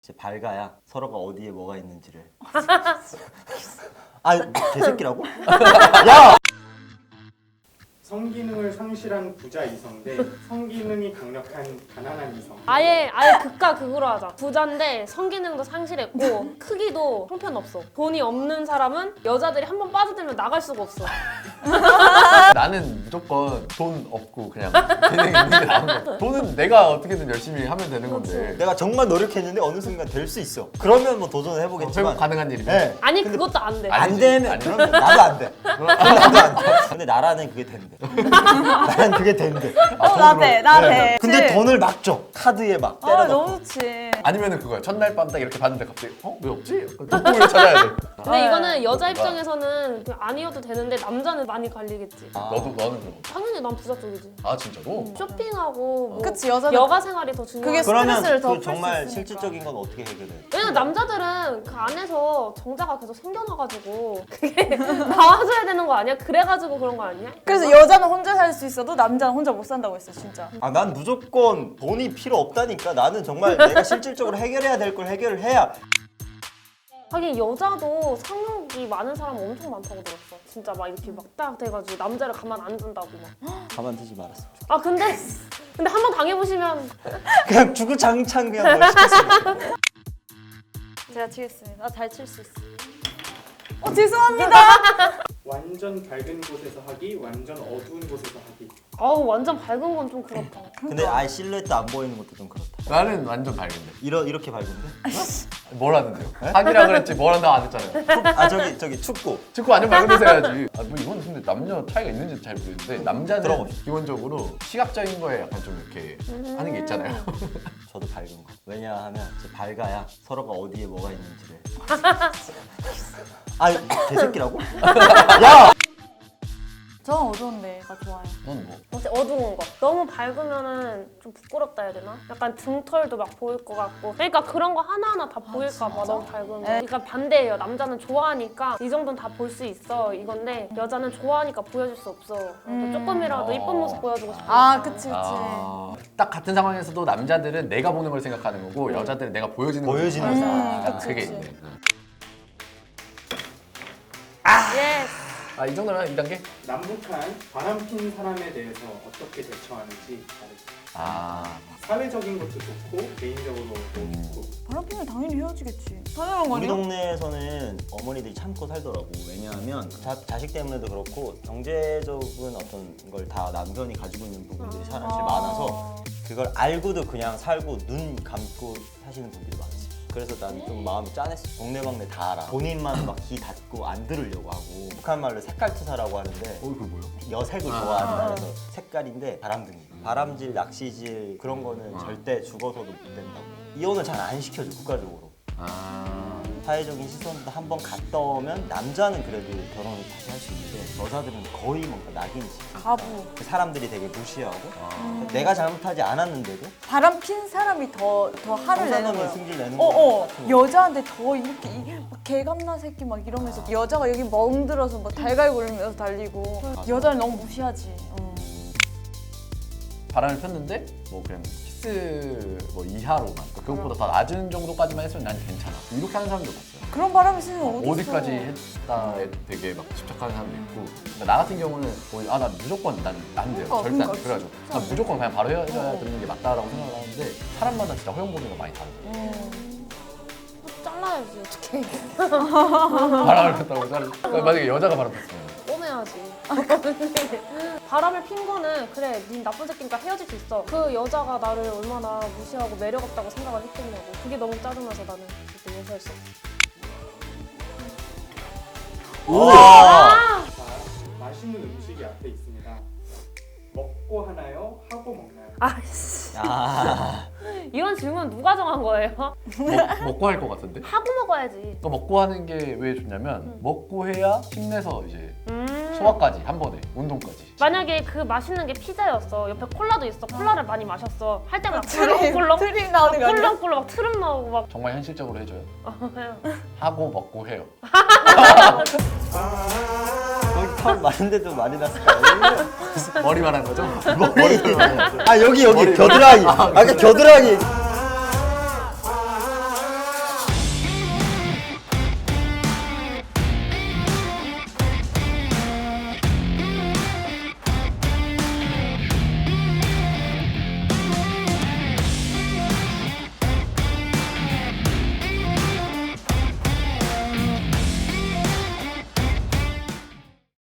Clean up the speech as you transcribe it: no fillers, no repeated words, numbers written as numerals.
이제 밝아야 서로가 어디에 뭐가 있는지를. 아, 개새끼라고? 야! 성기능을 상실한 부자 이성 대 성기능이 강력한 가난한 이성. 아예 극과 극으로 하자. 부자인데 성기능도 상실했고 크기도 형편없어. 돈이 없는 사람은 여자들이 한 번 빠져들면 나갈 수가 없어. 나는 무조건 돈 없고 그냥 재능 있는 게 나은 거야. 돈은 내가 어떻게든 열심히 하면 되는 건데. 내가 정말 노력했는데 어느 순간 될 수 있어. 그러면 뭐 도전을 해보겠지만. 결국 가능한 일이면. 네. 아니 근데 그것도 안 돼. 아니, 안 되면 아니지. 그러면 나도 안 돼. 나도 안 돼. 근데 나라는 그게 된대. 나는 그게 된대. 나 돼, 나 돼. 근데 돈을 막 줘. 카드에 막 때려 아, 넣고. 너무 좋지. 아니면은 그거야. 첫날 밤 딱 이렇게 봤는데 갑자기 왜 없지? 돋보기를 찾아야 돼. 근데 이거는 여자 뭔가. 입장에서는 그냥 아니어도 되는데 남자는 많이 갈리겠지. 너는 그럼 당연히 난 부자 쪽이지. 아 진짜로? 쇼핑하고 뭐 그치, 여자들 여가 생활이 더 중요해. 그게 그러면 스트레스를 더 그 풀 수 정말 있으니까. 실질적인 건 어떻게 해결해? 왜냐면 남자들은 그 안에서 정자가 계속 생겨나가지고 그게 나와줘야 되는 거 아니야? 그래가지고 그런 거 아니야? 그래서 여자는 혼자 살 수 있어도 남자는 혼자 못 산다고 했어, 진짜. 아, 난 무조건 돈이 필요 없다니까. 나는 정말 내가 실질적으로 해결해야 될 걸 해결을 해야. 하긴 여자도 성욕이 많은 사람 엄청 많다고 들었어. 진짜 막 이렇게 막 딱 돼가지고 남자를 가만 안 둔다고 막. 가만두지 말았어. 아 근데 한 번 당해보시면 그냥 주구장창 그냥 뭘 시켰어. 제가 치겠습니다. 나 잘 칠 수 있어. 죄송합니다. 완전 밝은 곳에서 하기, 완전 어두운 곳에서 하기. 아우 완전 밝은 건 좀 그렇다. 근데 아예 실루엣도 안 보이는 것도 좀 그렇다. 나는 완전 밝은데. 이렇게 밝은데? 뭘 하는데요? 하기라 그랬지 뭘 한다고 안 했잖아요. 아, 저기 축구. 축구 완전 밝은 데서 해야지. 아, 뭐 이건 근데 남녀 차이가 있는지 잘 모르겠는데 남자는 들어봅시다. 기본적으로 시각적인 거에 약간 좀 이렇게 하는 게 있잖아요. 저도 밝은 거. 왜냐하면 이제 밝아야 서로가 어디에 뭐가 있는지를. 아, 개새끼라고? 야! 저는 어두운 데가 좋아요. 넌 뭐? 어째 어두운 거. 너무 밝으면은 좀 부끄럽다 해야 되나? 약간 등털도 막 보일 것 같고. 그러니까 그런 거 하나하나 다 보일까 봐 너무 밝으면. 그러니까 반대예요. 남자는 좋아하니까 이 정도는 다 볼 수 있어 이건데 여자는 좋아하니까 보여줄 수 없어. 그러니까 조금이라도 이쁜 모습 보여주고 싶어. 아, 그치. 딱 같은 상황에서도 남자들은 내가 보는 걸 생각하는 거고 여자들은 내가 보여지는 걸 보여지는 생각하는 거야. 그치, 그게 그치. 있네. 예스. 아, 이 정도면 2단계? 남북한 바람핀 사람에 대해서 어떻게 대처하는지 다르죠. 아, 사회적인 것도 좋고 개인적으로도 좋고. 바람피면 당연히 헤어지겠지. 당연한 거 우리 아니야? 동네에서는 어머니들이 참고 살더라고. 왜냐하면 자식 때문에도 그렇고 경제적인 어떤 걸 다 남편이 가지고 있는 부분들이 사실 많아서 그걸 알고도 그냥 살고 눈 감고 사시는 분들이 많았어요. 그래서 난 좀 마음이 짠했어. 동네방네 다 알아. 본인만 막 귀 닫고 안 들으려고 하고. 북한 말로 색깔투사라고 하는데 그게 뭐야? 여색을 좋아한다 해서 색깔인데 바람둥이. 바람질, 낚시질 그런 거는 절대 죽어서도 못 된다고. 이혼을 잘 안 시켜줘, 국가적으로. 아, 사회적인 시선도 한번 갔다 오면 남자는 그래도 결혼을 다시 할 수 있는데 여자들은 거의 뭔가 낙인이지. 가부. 그 사람들이 되게 무시하고 내가 잘못하지 않았는데도 바람핀 사람이 더 화를 내는 성사하면 거야. 승질 내는 거 같은 거. 여자한테 더 이렇게 막 개감나 새끼 막 이러면서 여자가 여기 멍들어서 뭐 달걀 굴리면서 달리고 여자를 너무 무시하지. 바람을 폈는데 뭐 그냥 키스 뭐 이하로만 그것보다 더 낮은 정도까지만 했으면 난 괜찮아. 이렇게 하는 사람도 봤어요. 그런 바람이 있으면 어디 있어? 어디까지 했다에 되게 막 집착하는 사람도 있고. 그러니까 나 같은 경우는 거의 난 무조건 난 안 돼요. 절대 안 그러니까, 돼. 그래가지고 난 무조건 그냥 바로 헤어져야 되는 게 맞다라고 생각을 하는데 사람마다 진짜 허용 보는 거 많이 다르더라고요. 잘라야지 어떡해. 바람을 폈다고 그러니까 만약에 여자가 바람 폈으면 꺼내야지. 바람을 핀 거는 그래 닌 나쁜 새끼니까 헤어질 수 있어. 그 여자가 나를 얼마나 무시하고 매력 없다고 생각을 했겠냐고. 그게 너무 짜증나서 나는 그때 용서했어. 우와! 자, 맛있는 음식이 앞에 있습니다. 먹고 하나요? 하고 먹나요? 아이씨. 아, 이런 질문 누가 정한 거예요? 먹고 할 것 같은데? 하고 먹어야지. 그러니까 먹고 하는 게 왜 좋냐면 먹고 해야 힘내서 이제 음. 소화까지 한 번에 운동까지. 만약에 그 맛있는 게 피자였어. 옆에 콜라도 있어. 콜라를 많이 마셨어. 할 때마다 꿀렁꿀렁 트림 나오는 거 아니야? 꿀렁꿀렁 막 트름 나오고 막. 정말 현실적으로 해줘요. 해요. 하고 먹고 해요. 거기 털 많은데도 많이 났을까요? 머리 말하는 거죠? 머리. 아, 여기 머리. 겨드랑이. 아까 겨드랑이.